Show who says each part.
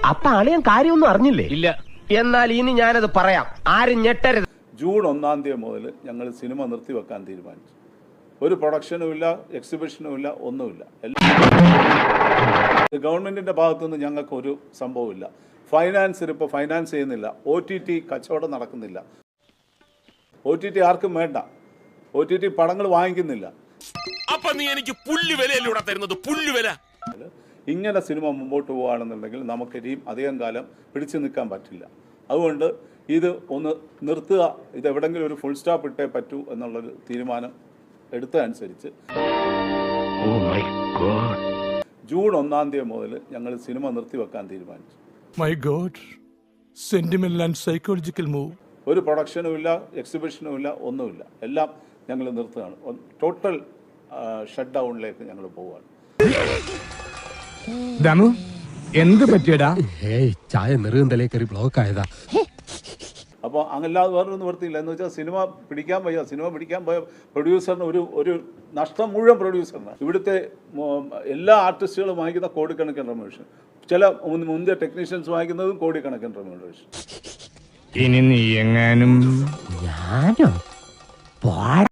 Speaker 1: അപ്പൊ അളിയൻ കാര്യമൊന്നും അറിഞ്ഞില്ലേ? ഇല്ല. എന്നാൽ ഇനി ഞാനത് പറയാം, ആരും ഞെട്ടരുത്.
Speaker 2: ജൂൺ 1-ാം തീയതി മുതൽ ഞങ്ങൾ സിനിമ നിർത്തിവെക്കാൻ തീരുമാനിച്ചു. ഒരു പ്രൊഡക്ഷനും ഇല്ല, എക്സിബിഷനും ഇല്ല, ഒന്നുമില്ല. ഗവൺമെന്റിന്റെ ഭാഗത്തുനിന്ന് ഞങ്ങൾക്ക് ഒരു സംഭവമില്ല. ഇപ്പോൾ ഫൈനാൻസ് ചെയ്യുന്നില്ല. OTT കച്ചവടം നടക്കുന്നില്ല. OTT ആർക്കും വേണ്ട. OTT പടങ്ങൾ വാങ്ങിക്കുന്നില്ല. ഇങ്ങനെ സിനിമ മുമ്പോട്ട് പോവുകയാണെന്നുണ്ടെങ്കിൽ നമുക്ക് ഇനിയും അധികം കാലം പിടിച്ചു നിൽക്കാൻ പറ്റില്ല. അതുകൊണ്ട് ഇത് ഒന്ന് നിർത്തുക, ഇത് എവിടെങ്കിലും ഒരു ഫുൾ സ്റ്റോപ്പ് ഇട്ടേ പറ്റൂ എന്നുള്ളൊരു തീരുമാനം എടുത്തതനുസരിച്ച് ജൂൺ 1-ാം തീയതി മുതൽ ഞങ്ങൾ സിനിമ നിർത്തിവെക്കാൻ തീരുമാനിച്ചു.
Speaker 3: My God, sentimental and psychological move.
Speaker 2: ഒരു പ്രൊഡക്ഷനും ഇല്ല, എക്സിബിഷനും ഇല്ല, ഒന്നുമില്ല. എല്ലാം ഞങ്ങൾ നിർത്തുകയാണ്. ടോട്ടൽ ഷട്ട് ഡൗണിലേക്ക് ഞങ്ങൾ പോവുകയാണ്.
Speaker 4: ദമു എന്ത് പറ്റിയടാ?
Speaker 5: ചായ നെറുകന്തലേ കയറി ബ്ലോക്ക് ആയതാ.
Speaker 2: അപ്പോൾ അങ്ങല്ലാതെ വേറൊരു നിവൃത്തിയില്ല. എന്ന് വെച്ചാൽ സിനിമ പിടിക്കാൻ പോയ പ്രൊഡ്യൂസറിന് ഒരു നഷ്ടം മുഴുവൻ പ്രൊഡ്യൂസറിന്. ഇവിടുത്തെ എല്ലാ ആർട്ടിസ്റ്റുകളും വാങ്ങിക്കുന്ന കോടിക്കണക്കിന് റെമ്യൂണറേഷൻ, ചില മുന്തിയ ടെക്നീഷ്യൻസ് വാങ്ങിക്കുന്നതും കോടിക്കണക്കിന് റെമ്യൂണറേഷൻ.
Speaker 4: ഇനി നീ എങ്ങാനും
Speaker 5: ഞാനോ